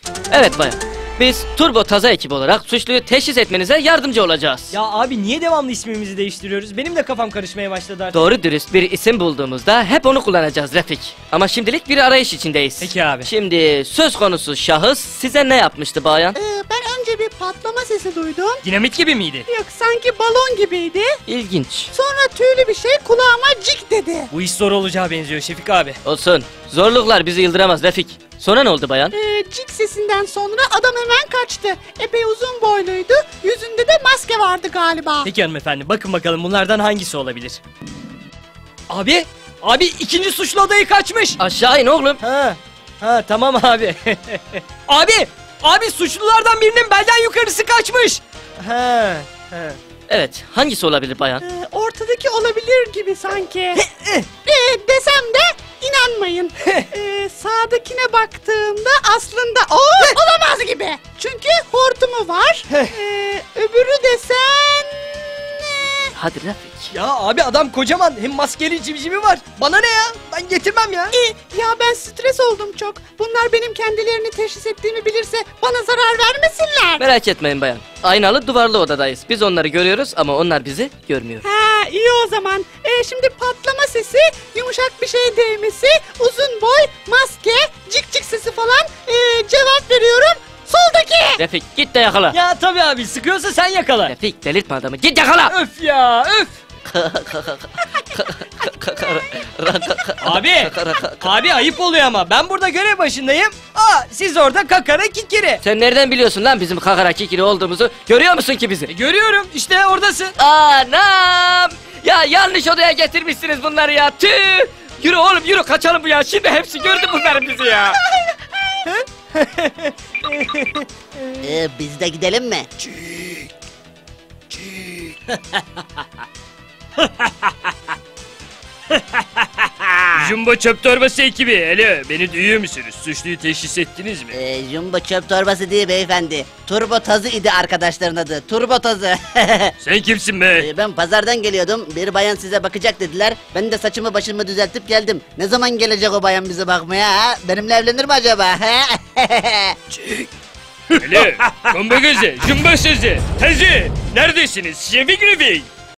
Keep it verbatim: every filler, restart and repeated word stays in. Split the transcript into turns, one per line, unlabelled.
Evet bayan. Biz Turbo Taza ekibi olarak suçluyu teşhis etmenize yardımcı olacağız.
Ya abi niye devamlı ismimizi değiştiriyoruz? Benim de kafam karışmaya başladı artık.
Doğru dürüst bir isim bulduğumuzda hep onu kullanacağız Refik. Ama şimdilik bir arayış içindeyiz.
Peki abi.
Şimdi söz konusu şahıs size ne yapmıştı bayan?
Ee, ben önce bir patlama sesi duydum.
Dinamit gibi miydi?
Yok, sanki balon gibiydi.
İlginç.
Sonra tüylü bir şey kulağıma cik dedi.
Bu iş zor olacağı benziyor Şefik abi.
Olsun. Zorluklar bizi yıldıramaz Refik. Sonra ne oldu bayan?
Ee, cik sesinden sonra adam hemen kaçtı. Epey uzun boyluydu. Yüzünde de maske vardı galiba.
Peki hanımefendi, bakın bakalım bunlardan hangisi olabilir? Abi! Abi ikinci suçlu adayı kaçmış!
Aşağı in oğlum.
Ha, ha tamam abi. Abi! Abi suçlulardan birinin belden yukarısı kaçmış! Ha, ha.
Evet, hangisi olabilir bayan?
Ee, ortadaki olabilir gibi sanki. ee, desem de inanmayın. ee, sağdakine baktığımda aslında o olamaz gibi. Çünkü hortumu var. ee, öbürü desen... ee,
Hadi Refik.
Ya abi adam kocaman, hem maskeli civcivi var. Bana ne ya? Ben getirmem ya.
ee, ya ben stres oldum çok. Bunlar benim kendilerini teşhis ettiğimi bilirse bana zarar vermesinler.
Merak etmeyin bayan. Aynalı duvarlı odadayız. Biz onları görüyoruz ama onlar bizi görmüyor.
Ha, iyi o zaman. Ee, şimdi patlama sesi, yumuşak bir şey değmesi, uzun boy, maske, cik cik sesi falan. Ee, cevap veriyorum. Soldaki.
Refik git de yakala.
Ya tabii abi, sıkıyorsa sen yakala.
Refik delirtme adamı. Git yakala.
Öf ya, öf. Abi, abi ayıp oluyor ama ben burada görev başındayım. Aa, siz orada kakara kikiri.
Sen nereden biliyorsun lan bizim kakara kikiri olduğumuzu? Görüyor musun ki bizi?
E, görüyorum işte oradasın.
Anam! Ya yanlış odaya getirmişsiniz bunları ya. Tüh! Yürü oğlum yürü, kaçalım bu ya. Şimdi hepsi gördü bunların bizi ya.
Ee, biz de gidelim mi?
Jumbo çöp torbası ekibi, hele beni duyuyor musunuz? Suçluyu teşhis ettiniz mi?
Ee, Jumbo çöp torbası değil beyefendi. Turbo Tazı idi arkadaşların adı. Turbo Tazı.
Sen kimsin be?
Ee, ben pazardan geliyordum. Bir bayan size bakacak dediler. Ben de saçımı başımı düzeltip geldim. Ne zaman gelecek o bayan bize bakmaya ha? Benimle evlenir mi acaba?
Hele, kombo gözü, jumbo sözü, tazı, neredesiniz Şefik Refik?